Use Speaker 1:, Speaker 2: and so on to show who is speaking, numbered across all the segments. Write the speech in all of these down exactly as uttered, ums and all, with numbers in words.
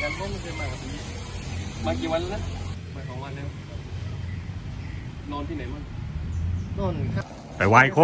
Speaker 1: กันก็ไม่เคยมากับพี่มากี่วันแล้วมาสองวันแล้วนอนที่ไหนมั่งนอนครับ
Speaker 2: ไปไหว้โค้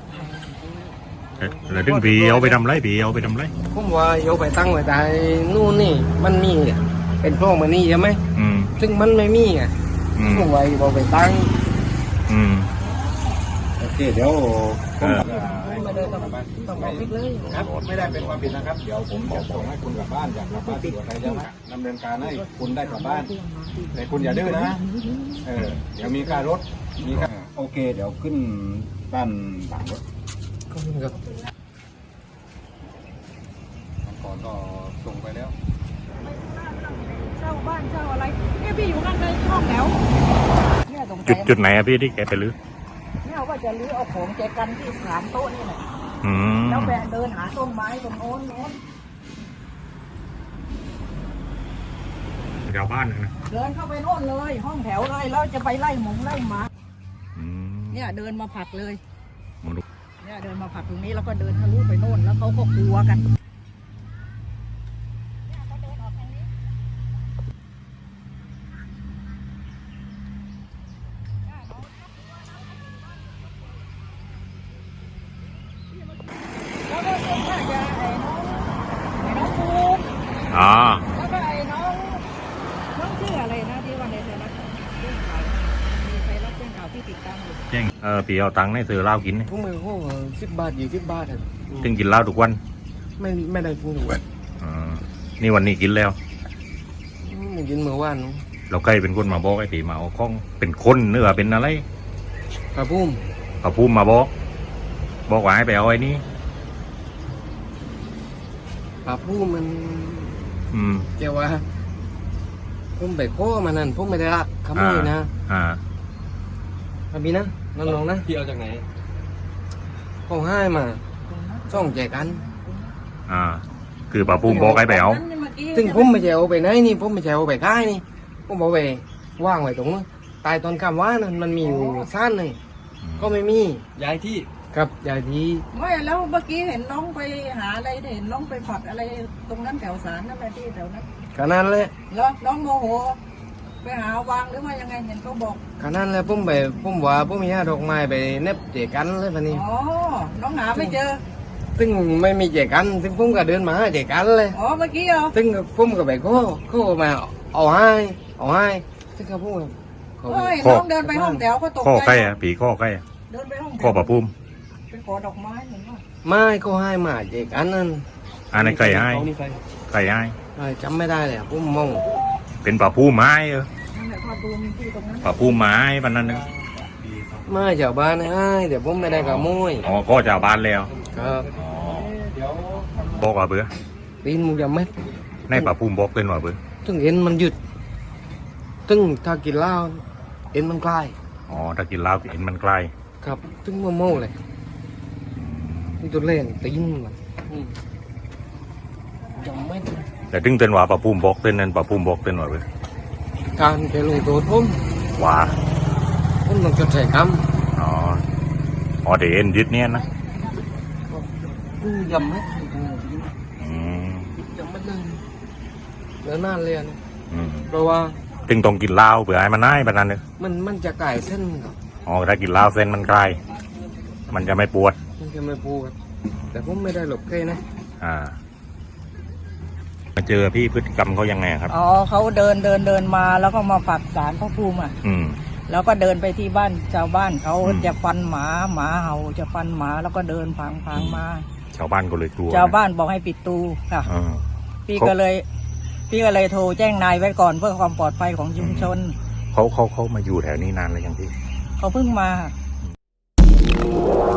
Speaker 2: แล้วดึงผีเอาไปทำไรผีเอาไปทำไร
Speaker 1: ผมว่าเอาไปตั้งไว้แต่นู่นนี่มันมีเป็นโพรงมันนี่ใช่ไหม
Speaker 2: อืม
Speaker 1: ซึ่งมันไม่มีอ่ะผมว่าเอาไปตั้ง
Speaker 2: อืม
Speaker 1: โอเคเดี๋ยวผม
Speaker 3: ไม่ได้ต้องต้องบอกเลยครับไม่ได้เป็นความผิดนะครับเดี๋ยวผมจะส่งให้คุณกลับบ้านอยากกลับบ้านที่ใครจะดำเนินการให้คุณได้กลับบ้านแต่คุณอย่าดื้อนะเออเดี๋ยวมีค่ารถมีค่าโอเคเดี๋ยวขึ้นด้านหลังรถ
Speaker 1: ก็ขึ้นกับก่อนก็ส่งไปแล้ว
Speaker 4: เช่าบ้านเช่าอะไรเนี่ยพี่อยู่นั่นเลยห้องแถวเนี่ยตรง
Speaker 2: จุดจุดไหนอะพี่ที่แกไปลื้อ
Speaker 4: เนี่ยว่าจะลื้อเอาของแจกันที่สามโต๊ะนี่แหละ
Speaker 2: แ
Speaker 4: ล้วแบนเดินหาต้นไม้ตรงโน้นโน้น
Speaker 2: ชาวบ้านนะ
Speaker 4: เดินเข้าไปโน่นเลยห้องแถวเลยแล้วจะไปไล่หมูไล่หมาเนี่ยเดินมาผัดเลยเนี่ยเดินมาผัดตรงนี้แล้วก็เดินทะลุไปโน่นแล้วเขาก็กลัวกัน
Speaker 2: อ๋อ
Speaker 4: แล้วก็ไอ้น้องน้องชื่ออะไรนะที่วันไหนเธอนะเรื่องข่าวมีใครรับเรื่องข่าวที่ติดตามอยู่
Speaker 2: แจ้งเออปีเอาตังค์ให้ซื้อเหล้ากิน
Speaker 1: พวกมือพวกสิบบาทยี่สิบบาทอ่ะ
Speaker 2: ถึงกินเหล้าทุกวัน
Speaker 1: ไม่ไม่ได้กินทุกวัน
Speaker 2: อ่านี่วันนี้กินแล้ว
Speaker 1: ไม่กินเมื่อวาน
Speaker 2: เราใกล้เป็นคนมาบอกไอ้ปีมาเอาข้องเป็นคนเนื้อเป็นอะไร
Speaker 1: ปลาพุ่ม
Speaker 2: ปลาพุ่มมาบอกบอกว่าให้ไปเอาไอ้นี่
Speaker 1: ปลาพุ่มมัน
Speaker 2: อืม
Speaker 1: เกี่ยวว่าผมไปโค้มานั่นผมไม่ได้รักขโมยนะ
Speaker 2: อ่า
Speaker 1: ครับพี่นะน้องๆนะพี่เอาจากไหนเขาให้มาส่องแจกัน
Speaker 2: อ่าคือปลาพุ่มบอกให้ไปเอา
Speaker 1: ซึ่งผมไม่ใช่เอาไปไหนนี่ผมไม่ใช่เอาไปค่ายนี่ผมเอาไปว่างไว้ตรงนั้นตายตอนคำว่านั่นมันมีอยู่สั้นหนึ่งก็ไม่มีย้ายที่ครับย้ายที่
Speaker 4: ไม่แล้วเมื่อกี้เห็นน้องไปหาอะไรเห็นน้องไปผัดอะไรตรงนั้นแถวศาลนั่นแหละที่แถวนั้น
Speaker 1: ขนาดเลย
Speaker 4: แล้วน้องโมโหไปหาวางหรือว่ายังไงเห็นเขาบอก
Speaker 1: ขนาดเลยผมไปผมว่าผมมีห้าดอกไม้ไปเน็บเจกันเลยพันนี้
Speaker 4: อ๋อน้องหาไม่เจอ
Speaker 1: ซึ่งไม่มีเจกันซึ่งผมก็เดินมาหาเจกันเลย
Speaker 4: อ๋อเมื่อกี้เหรอ
Speaker 1: ซึ่งผมก็ไปเขาเขามาเอาให้เอาให้ซึ่งเขาพูด
Speaker 4: เฮ้ยน้องเดินไปห้องแถวก็ตกใจ
Speaker 2: ข้อใกล้อะปีข้อใกล้
Speaker 4: เดินไปห้อง
Speaker 2: ข้อปลาพุ่ม
Speaker 4: ไปขอดอกไม้เหมือนว่า
Speaker 1: ไม่เขาให้มาเจกันนั่น
Speaker 2: อันนี้ใครให้ใครให้
Speaker 1: จำไม่ได้เลยผมมอง
Speaker 2: เป็นปลาพุ่มไม้เออปลาพุ่มไม้ปันนั้นนึง
Speaker 1: ไม่ชาวบ้านให้เดี๋ยวผมไม่ได้ขโมย
Speaker 2: อ๋อก็ชาวบ้านแล้ว
Speaker 1: ครับ
Speaker 2: บอกว่าเบื่อ
Speaker 1: ตีนมึงจะไม่
Speaker 2: ในปลาพุ่มบอกเป็นว่าเบื่อ
Speaker 1: ตึงเอ็นมันหยุดตึงถ้ากินเหล้าเอ็นมันคลาย
Speaker 2: อ๋อถ้ากินเหล้าเอ็นมันคลาย
Speaker 1: ครับตึงโมโม่เลยนี่ตัวเล่นตีนมันยังไม่
Speaker 2: แต่ถึงเต้นว่าปลาพุ่มบอกเต้นนั้นปลาพุ่มบอกเต้นว่าเบื่อ
Speaker 1: การแกลงตัวผม
Speaker 2: ว่า
Speaker 1: ผมต้องจดใส่ค
Speaker 2: ำอ๋ออ๋อเดี๋ยวเอ็นยึดเนี้ยนะ
Speaker 1: ยำไหมยำไม่เลยเดี๋ยวนานเลยนะเพราะว่า
Speaker 2: จึงต้องกินเหล้าเผื่อให้มันง่ายแบบนั้นเลย
Speaker 1: มันมันจะไก่เส้นครับ
Speaker 2: อ๋อถ้ากินเหล้าเส้นมันคลายมันจะไม่ปวด
Speaker 1: มันจะไม่ปวดแต่ผมไม่ได้หลบใกล้นะ
Speaker 2: อ่ามาเจอพี่พฤติกรรมเขายังไงครับ
Speaker 4: อ๋อเขาเดินเดินเดินมาแล้วก็มาปักศาลพระภูมิอ่ะ
Speaker 2: อืม
Speaker 4: แล้วก็เดินไปที่บ้านชาวบ้านเขาจะฟันหมาหมาเห่าจะฟันหมาแล้วก็เดินพังพังมา
Speaker 2: ชาวบ้านก็เลยกลัว
Speaker 4: ชาวบ้านบอกให้ปิดตูค่ะพี่ก็เลยพี่ก็เลยโทรแจ้งนายไว้ก่อนเพื่อความปลอดภัยของชุมชน
Speaker 2: เขาเขาเขามาอยู่แถวนี้นานแล้วยังพี่
Speaker 4: เขาเพิ่งมา